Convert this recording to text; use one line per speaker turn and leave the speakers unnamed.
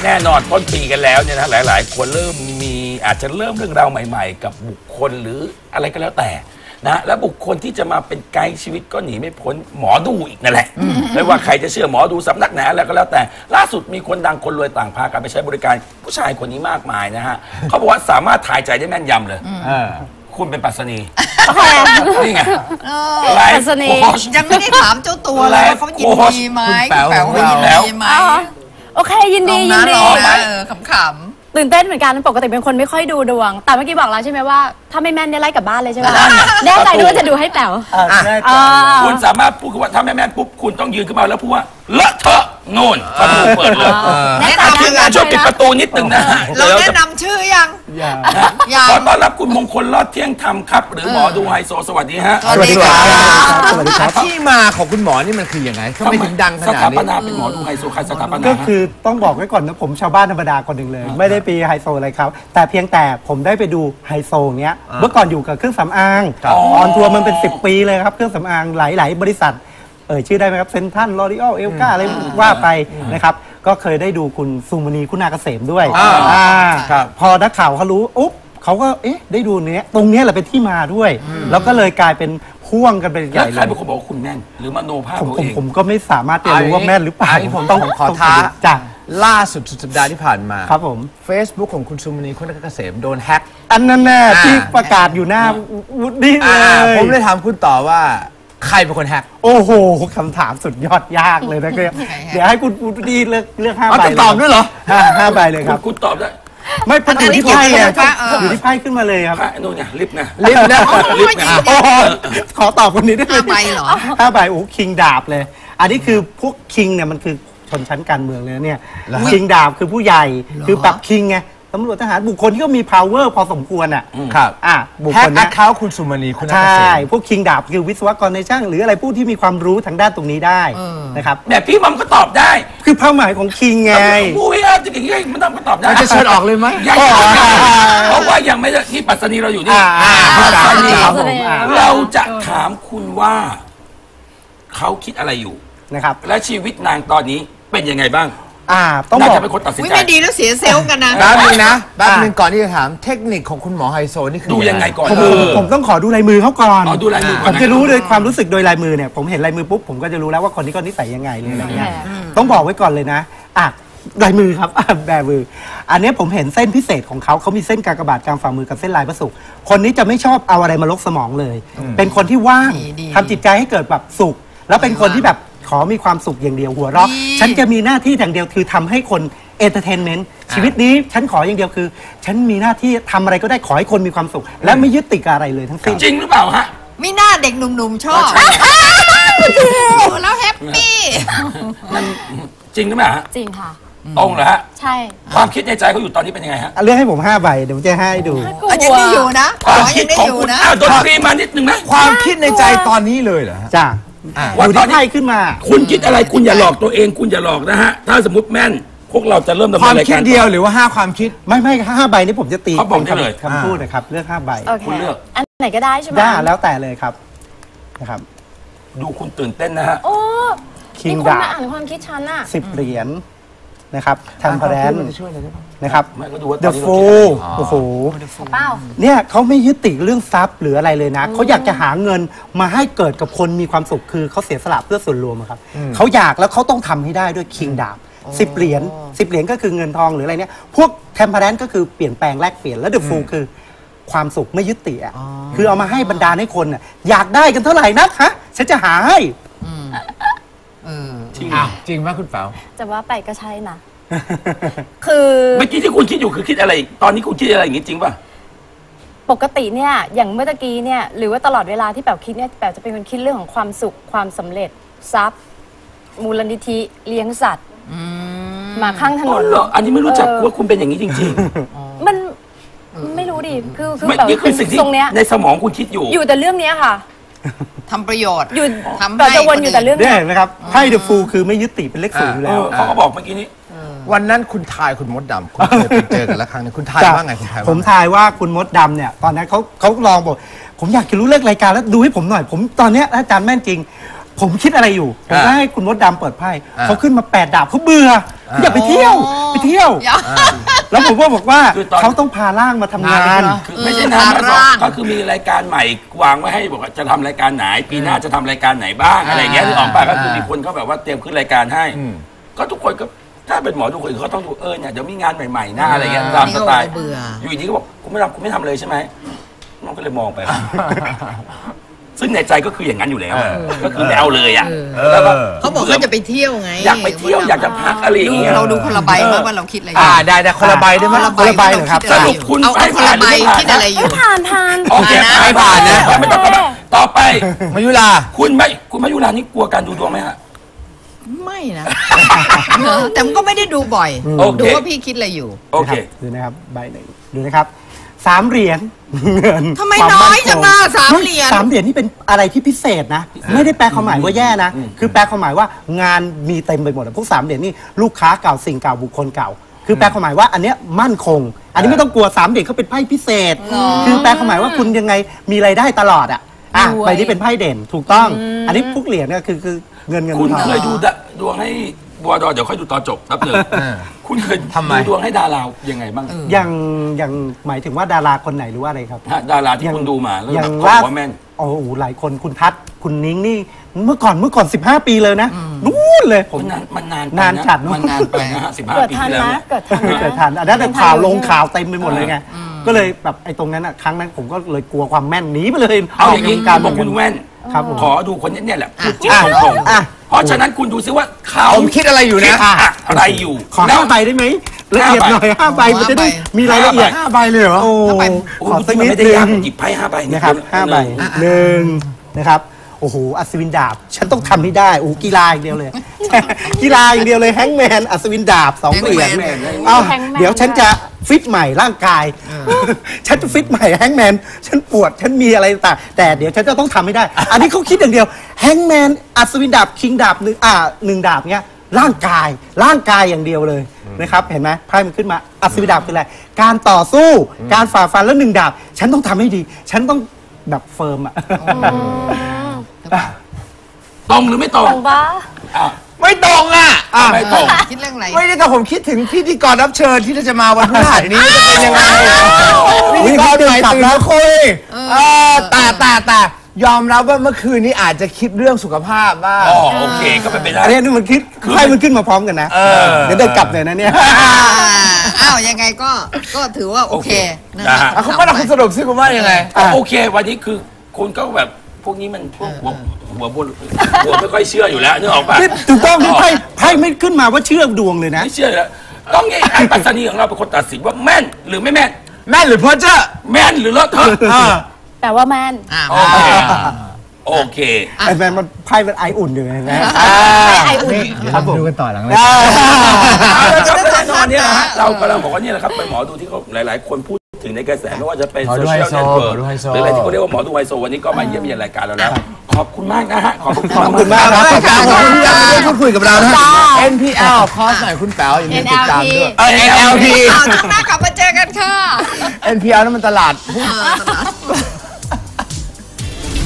แน่นอนต้นปีกันแล้วเนี่ยนะหลายๆคนเริ่มมีอาจจะเริ่มเรื่องราวใหม่ๆกับบุคคลหรืออะไรก็แล้วแต่นะและบุคคลที่จะมาเป็นไกด์ชีวิตก็หนีไม่พ้นหมอดูอีกนั่นแหละไม่ว่าใครจะเชื่อหมอดูสำนักไหนอะไรก็แล้วแต่ล่าสุดมีคนดังคนรวยต่างพากันไปใช้บริการผู้ชายคนนี้มากมายนะฮะเขาบอกว่าสามารถทายใจได้แม่นยำเลยคุณเป็นปัสนีนี่ไงไลฟ์โค้ช
ยังไม่ได้ถามเจ้าตัวเลยว่าเขายินดีไหมแป๋วยินดีไหม
โอเคยินดี
ขำ
ตื่นเต้นเหมือนกันปกติเป็นคนไม่ค่อยดูดวงแต่เมื่อกี้บอกแล้วใช่ไหมว่าถ้าไม่แม่นเนี่ยไล่กลับบ้านเลยใช่ไหมแน่ใจด้วยว่าจะดูให้แป๋ว
คุณสามารถพูดว่าถ้าไม่แม่นปุ๊บคุณต้องยืนขึ้นมาแล้วพูดว่าเลอะเทอะโน่นประตูเปิดเลยแนะนำทีมงานช่วยปิดประตูนิดนึงนะ
เราแนะนำชื่อยัง
ขอต้อนรับคุณมงคลรอดเที่ยงธรรมครับหรือหมอดูไฮโซสวัสดีฮะ
สวัสดีครับสวัสดีครับที่มาของคุณหมอนี่มันคือยังไงทำไมถึงดังขนาดนี้
สถาปนาเป็นหมอดูไฮโซใครสถาปนา
ก็คือต้องบอกไว้ก่อนนะผมชาวบ้านธรรมดาคนหนึ่งเลยไม่ได้ปีไฮโซอะไรครับแต่เพียงแต่ผมได้ไปดูไฮโซเนี้ยเมื่อก่อนอยู่กับเครื่องสำอางออนทัวร์มันเป็น10 ปีเลยครับเครื่องสำอางหลายๆบริษัทชื่อได้ไหมครับเซนทันลอรีออลเอลกาอะไรว่าไปนะครับก็เคยได้ดูคุณสุมณีคุณาเกษมด้วยพอนักข่าวเขารู้อุ๊บเขาก็ได้ดูเนี้ยตรงเนี้ยแหละเป็นที่มาด้วยแล้วก็เลยกลายเป็นพ่วงกันเป็นใหญ่เลย
ใครเป็นคนบอกคุณแม่นหรือมโนภาพ
ผมก็ไม่สามารถจะรู้ว่าแม่นหรือเปล่า
ผมต้องขอท้าล่าสุดสัปดาห์ที่ผ่านมา
ครับผม
Facebook ของคุณสุมณีคุณาเกษมโดนแฮ็ก
อันนั้นแน่ที่ประกาศอยู่หน้าวุฒิเลย
ผมเลยถามคุณต่อว่าใครเป็นคนแฮก
โอ้โหคำถามสุดยอดยากเลยนะเดี๋ยวให้คุณวุฒิเลือก5 ใบ
ตอบด้วยเหรอ
5 ใบเลยครับ
คุณตอบได้
ไม่พันอยู่ที่ไพ่อยู่ที่ไพ่ขึ้นมาเลยครับ
นู่นไงลิฟต์นะ
ลิฟต์นะขอตอบคนนี้ได้ไหม
5 ใบเหรอ
5 ใบโอ้คิงดาบเลยอันนี้คือพวกคิงเนี่ยมันคือชนชั้นการเมืองเลยเนี่ยคิงดาบคือผู้ใหญ่คือปรับคิงไงตำรวจทหารบุคคลที่ก็มี power พอสมควรอ่ะ
ครับ
บุค
คลนี้เขาคุณสุมณีคุณ
ใช่พวกคิงดาบคือวิศวกรในช่างหรืออะไรผู้ที่มีความรู้ทางด้านตรงนี้ได้นะครับ
แบบพี่มัมก็ตอบได้
คือเป้าหมายของคิงไง
ผู้วิจารณ์อย่างนี้มันต้องก็ตอบได้
จะเชิญออกเลยไหม
เพราะว่ายังไม่ที่ปัสนีเราอยู่นี่ปัสนีเราจะถามคุณว่าเขาคิดอะไรอยู่
นะครับ
และชีวิตนางตอนนี้เป็นยังไงบ้าง
ต้องบอก
เป็นคนตัดสินใจ
ไม่ดีแล้วเสียเซลล์กันนะ
แป๊บนึงนะแป๊บนึงก่อนที่จะถามเทคนิคของคุณหมอไฮโซนี่คือ
ดูยังไงก่อน
ผมต้องขอดูลายมือเขาก่อน
ดูลายมือ
ผมจะรู้เลยความรู้สึกโดยลายมือเนี่ยผมเห็นลายมือปุ๊บผมก็จะรู้แล้วว่าคนนี้ก็นิสัยยังไงเลยอะไรเงี้ยต้องบอกไว้ก่อนเลยนะลายมือครับแบมืออันนี้ผมเห็นเส้นพิเศษของเขามีเส้นกากบาทกลางฝ่ามือกับเส้นลายพระศุกร์คนนี้จะไม่ชอบเอาอะไรมาลกสมองเลยเป็นคนที่ว่างทำจิตใจให้เกิดแบบสุขแล้วเป็นคนที่แบบขอมีความสุขอย่างเดียวหัวเราะฉันจะมีหน้าที่อย่างเดียวคือทำให้คนเอนเตอร์เทนเมนต์ชีวิตนี้ฉันขออย่างเดียวคือฉันมีหน้าที่ทำอะไรก็ได้ขอให้คนมีความสุขและไม่ยึดติดกับอะไรเลยทั้งสิ้น
จริงหรือเปล่าฮะ
ไม่น่าเด็กหนุ่มๆชอบแล้วแฮปปี้
จริงหรือเปล่าฮะ
จริงค่ะ
ตรงเหรอฮะ
ใช่
ความคิดในใจเขาอยู่ตอนนี้เป็นยังไงฮะ
เลือกให้ผม5 ใบเดี๋ยวผมจะให้ดู
ยังได้อยู่นะ
ความคิดของคุณดนตรีมานิดนึงนะ
ความคิดในใจตอนนี้เลยเหรอ
จ้า
วัน
ที่ไพ่ขึ้นมา
คุณคิดอะไรคุณอย่าหลอกตัวเองคุณอย่าหลอกนะฮะถ้าสมมติแม่นพวกเราจะเริ่มดำเนินรายการ
ความคิดเดียวหรือว่า5 ความคิด
ไม่5 ใบนี้ผมจะตี
เขาบอกได้เลย
คำพูดนะครับเลือก5 ใบ
คุณเลือก
อันไหนก็ได้ใช่ไหม
ได้แล้วแต่เลยครับนะครับ
ดูคุณตื่นเต้นนะฮะ
โอ้คิงดาบอ่านความคิดฉันอ่ะ
10 เหรียญนะครับทันพแรนนะครับเดอะฟูโอ้โหเนี่ยเขาไม่ยึดติดเรื่องทรัพย์หรืออะไรเลยนะเขาอยากจะหาเงินมาให้เกิดกับคนมีความสุขคือเขาเสียสละเพื่อส่วนรวมครับเขาอยากแล้วเขาต้องทำให้ได้ด้วยคิงดาบ10 เหรียญ10 เหรียญก็คือเงินทองหรืออะไรเนี่ยพวกเทมเพแรนก็คือเปลี่ยนแปลงแลกเปลี่ยนแล้วเดอะฟูคือความสุขไม่ยึดติดคือเอามาให้บรรดาให้คนอยากได้กันเท่าไหร่นักฮะฉันจะหาให้
จริงไหมคุณเป๋า
จะว่าไปก็ใช่นะคือ
เมื่อกี้ที่คุณคิดอยู่คือคิดอะไรตอนนี้คุณคิดอะไรอย่างนี้จริงป่ะ
ปกติเนี่ยอย่างเมื่อตะกี้เนี่ยหรือว่าตลอดเวลาที่แป๋วคิดเนี่ยแป๋วจะเป็นคนคิดเรื่องของความสุขความสำเร็จทรัพย์มูลนิธิเลี้ยงสัตว์มาข้างถนน
อันนี้ไม่รู้จักว่าคุณเป็นอย่างนี้จริง
ๆมันไม่รู้ดิคือ
แบบนี้คือสิ่งที่ในสมองคุณคิดอยู่
แต่เรื่องนี้ค่ะ
ทำประโยชน์
อยู่ทำจะวนอยู่แต่เรื่อง
นี้นะครับไพ่เดอะฟูลคือไม่ยึดติดเป็นเลข0อยู่แล้ว
เขาก็บอกเมื่อกี้นี้
วันนั้นคุณทายคุณมดดำคุณเคยไปเจอกันแล้วครั้งนึงคุณทายว่าไงคุณทาย
ผมทายว่าคุณมดดำเนี่ยตอนนั้นเขาลองบอกผมอยากจะรู้เลิกรายการแล้วดูให้ผมหน่อยผมตอนนี้อาจารย์แม่นจริงผมคิดอะไรอยู่ผมให้คุณมดดำเปิดไพ่เขาขึ้นมา8 ดาบเขาเบื่ออย่าไปเที่ยวไปเที่ยว
อย่า
แล้วผมก็บอกว่า
คือตอน
เขาต้องพาร่างมาทำงาน
คือไม่ใช่นะ
ร่าง
ก็คือมีรายการใหม่วางไว้ให้บอกว่าจะทำรายการไหนปีหน้าจะทำรายการไหนบ้างอะไรเงี้ยหรือออกไปก็คือมีคนเขาแบบว่าเตรียมขึ้นรายการให้ ก็ทุกคนก็ถ้าเป็นหมอทุกคนเขาต้องดูเนี่ยเดี๋ยวมีงานใหม่ๆหน้าอะไรเงี้ยตามสไตล์
เบื่อ
อยู่ดีก็บอกคุณไม่ทำเลยใช่ไหมน้องก็เลยมองไป ซึ่งในใจก็คืออย่างนั้นอยู่แล้วก็คือไม่เอาเลยอ่ะแล้วก็
เขาบอกเขาจะไปเที่ยวไง
อยากไปเที่ยวอยากจะพักอะไรอย่างเงี้ย
เราดูคนละใบมากว่าเราคิดอะไร
ได้คนละใบได้ไหม
คนละใบเหรอครับ
สรุปคุณ
เอาคนละใบคิดอะไรอยู่
ผ่าน
โอเค
ไม่ผ่านนะ
ไม่ต้องต่อไป
มายุรา
คุณมายุรานี่กลัวการดูดวงไหมฮะ
ไม่นะแต่มันก็ไม่ได้ดูบ่อย
โอเค
ดูว่าพี่คิดอะไรอยู่
โอเค
ดูนะครับใบหนึ่งดูนะครับ3 เหรียญเงิน
ทำไม
ควา
น้อย
คง
จังอ่ะ3 เหรียญ
3 เหรียญนี่เป็นอะไรที่พิเศษนะ ไม่ได้แปลความหมายว่าแย่นะ คือแปลความหมายว่างานมีเต็มไปหมดอะพวก3 เหรียญนี่ลูกค้าเก่าสิ่งเก่าบุคคลเก่า คือแปลความหมายว่าอันเนี้ยมั่นคง อันนี้ไม่ต้องกลัว3 เหรียญเขาเป็นไพ่พิเศษ คือแปลความหมายว่าคุณยังไงมีรายได้ตลอดอะใบนี้เป็นไพ่เด่นถูกต้อง อันนี้พวกเหรียญเนี่ยคือเงิน
คุณ
ทอง
เคยดูดวงให้บัวดอเดี๋ยวค่อยดูตอนจบครับหนึ่งคุณเคย
ทำไม
ดูดวงให้ดารายังไงบ้าง
ยังหมายถึงว่าดาราคนไหนหรือว่าอะไรครับ
ฮะดาราที่คุณดูมาแล้ว
อย่า
แบ
ง
บเขา
ล่า
บอกว่าแม่น
โอ้โหหลายคนคุณทัศน์คุณนิ้งนี่เมื่อก่อน15 ปีเลยนะนู่นเลย
มันนานไป
นานจัดเนอะ
มันนานไปนะฮะ15
เกิด
ปี
ทัน
ที่แล้ว
นะ
เนี่ย
เกิดทันนะ
เกิดทันอันนั้นแต่ข่าวลงข่าวเต็มไปหมดเลยไงก็เลยแบบไอ้ตรงนั้นอ่ะครั้งนั้นผมก็เลยกลัวความแม่นหนีไปเลย
เอาอย่างนี้
การ
บอกคุณแว่น
ครับผม
ขอดูคนนี้เนี่ยแหละพูดจริง
อ่ะ
ตรง
อ่ะ
ๆเพราะฉะนั้นคุณดูซิว่าเขา
ผมคิดอะไรอยู่นะ
คิดอะไรอยู่
ขอ
แล้ว
5 ใบได้ไหมละเอียดหน่อย5 ใบมันจะได้มีรายละเอียด
5 ใบเลยเหรอ
โอ้
โอ้
ขอสัก
มัน
นิด
ไม่ได้
นึ
ยาก
ง
หยิบไพ่5 ใบ
นะครับ5 ใบ1นะครับโอ้โหอัศวินดาบ ฉันต้องทำให้ได้โอ้โหกีฬาอย่างเดียวเลย กีฬาอย่างเดียวเลยแฮงก์แมนอัศวินดาบ2 เหรียญ เอ้า
แฮงก์แมน
เดี๋ยวฉันจะฟิตใหม่ร่างกาย ฉันจะฟิตใหม่แฮงก์แมนฉันปวดฉันมีอะไรต่างแต่เดี๋ยวฉันจะต้องทำให้ได้ อันนี้เขาคิดอย่างเดียวแฮงก์แมนอัศวินดาบคิงดาบหนึ่งดาบเนี้ยร่างกายอย่างเดียวเลยนะครับเห็นไหมไพ่มันขึ้นมาอัศวินดาบคืออะไรการต่อสู้การฝ่าฟันแล้ว1 ดาบ ฉันต้องทำให้ดี ฉันต้องแบบเฟิร์มอะ
ตรงหรือไม่ตรง
ตรงปะ
อ่ะ
ไม่ตรงอ่ะ
ไม่ตรง
คิดเรื่องอะไร
ไม่ได้แต่ผมคิดถึงพิธีกรรับเชิญที่จะมาวันพฤหัสนี้จะเป็นยังไงพิธีกรใหม่ตื่นมาคุยแต่ยอมรับว่าเมื่อคืนนี้อาจจะคิดเรื่องสุขภาพบ้าง
อ๋อโอเคก็เป็นไปได้
อันนี้นี่มันคิดไพ่มันขึ้นมาพร้อมกันนะเดี๋ยวเดินกลับเลยนะเนี่ย
อ้าวยังไงก็ถือว่าโอเคนะ
นะ
ฮะ
ฮะ
คุณว่าเราคุณสรุปซิคุณว่ายังไง
โอเค วันนี้คือคุณก็แบบพวกนี้มันพวกหัวบนหัวไม่ค่อยเชื่ออยู่แล้วนึกออกปะ
นี่ถูกต้องที่ไพ่ไม่ขึ้นมาว่าเชื่อดวงเลยนะ
ไม่เชื่ออยู่แล้วต้องไงไอ้ปัสนีของเราเป็นคนตัดสินว่าแม่นหรือไม่แม่น
แม่นหรือเพ้อเจ้อ
แม่นหรือเลอะเทอะ
แต่ว่าแมน
โอเคโอเค
ไอ้แมนมันไพ่มันไออุ่นอยู่ไงนะ
ไออุ่น
ครับผม
ดูกันต่อหลังเลย
เอาละครับแน่นอนเนี่ยนะฮะเรากำลังบอกว่านี่แหละครับเป็นหมอดูที่เขาหลาย ๆ คนพูดถึงในกระแสไม่ว่าจะเป็น
หมอ
โซ
ดู
เชียล
ไฮโซ
เน็ตเวิร์ก
หมอดูไฮโซ
หรืออะไรที่เขาเรียกว่าหมอดูไฮโซวันนี้ก็มาเยี่ยมเยียนรายการเราแล้ว ขอบคุณมากนะฮะขอบคุณ
ขอบคุณมากครับ
ขอบคุณที่ได้พูดคุยกับเรานะ NPL คอร์สไหนคุณแป๋วอย่าลืมติดตามด้วย
NLP
NLP
อ้าวช่วงหน้ากลับมาเจอกันค่ะ
NPL นั่นมันตลาด
ตลาด